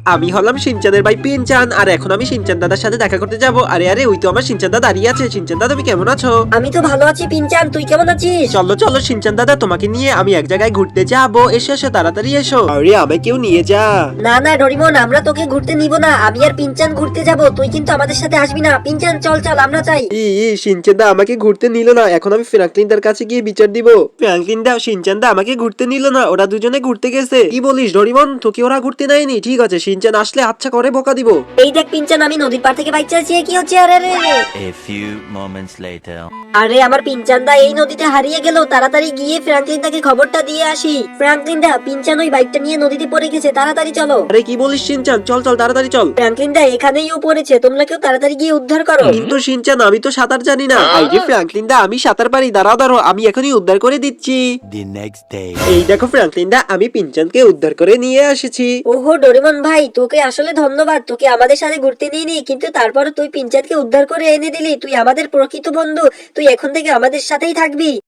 আমি হলাম শিনচানের ভাই পিনচান, আর এখন আমি শিনচান দাদার সাথে দেখা করতে যাব। আরে আরে, ওই তো আমার শিনচান দাদা দাঁড়িয়ে আছে। শিনচান দাদা, তুমি কেমন আছো? আমি তো ভালো আছি পিনচান, তুই কেমন আছিস? চলো চলো শিনচান দাদা, তোমাকে নিয়ে আমি এক জায়গায় ঘুরতে যাবো। এসো এসো, তাড়াতাড়ি এসো। আরে আমাকেও নিয়ে যা। না না ডোরিমন, আমরা তোকে ঘুরতে নিব না। আমি আর পিনচান ঘুরতে যাব, তুই কিন্তু আমাদের সাথে আসবি না। পিনচান চল চল, আমরা চাই। শিনচান দা আমাকে ঘুরতে নিল না, এখন আমি ফ্র্যাঙ্কলিন দার কাছে গিয়ে বিচার দিব। ফ্র্যাঙ্কলিন দা, শিনচান দা আমাকে ঘুরতে নিল না, ওরা দুজনে ঘুরতে গেছে। কি বলিস ডোরিমন, তোকে ওরা ঘুরতে নেয়নি? ঠিক আছে, শিনচান আসলে আচ্ছা করে বকা দিব। এই দেখ পিনচান, আমি নদীর পার থেকে বাইক চালাচ্ছি। কি হচ্ছে? আরে আরে A few moments later. আরে আমার পিনচান দা এই নদীতে হারিয়ে গেল। তাড়াতাড়ি গিয়ে ফ্র্যাঙ্কলিন দাকে খবরটা দিয়ে আসি। ফ্র্যাঙ্কলিন দা, পিনচান ওই বাইকটা নিয়ে নদীতে পড়ে গেছে, তাড়াতাড়ি চলো। আরে কি বলিস শিনচান, চল চল তাড়াতাড়ি চল। ফ্র্যাঙ্কলিন দা এখানেই ও পড়েছে, তোমরা কেউ তাড়াতাড়ি গিয়ে উদ্ধার করো। কিন্তু শিনচান, আমি তো সাঁতার জানি না। আরে ফ্র্যাঙ্কলিন দা, আমি সাঁতার পারি, দাঁড়াও দাঁড়াও, আমি এখনই উদ্ধার করে দিচ্ছি। The next day. এই দেখো ফ্র্যাঙ্কলিন দা, আমি পিনচানকে উদ্ধার করে নিয়ে এসেছি। ওহো ডোরেমন ভাই, তোকে আসলে ধন্যবাদ। তোকে আমাদের সাথে ঘুরতে নিয়ে নি, কিন্তু তারপরে তুই পিনচানকে উদ্ধার করে এনে দিলি। তুই আমাদের প্রকৃত বন্ধু, তুই এখন থেকে আমাদের সাথেই থাকবি।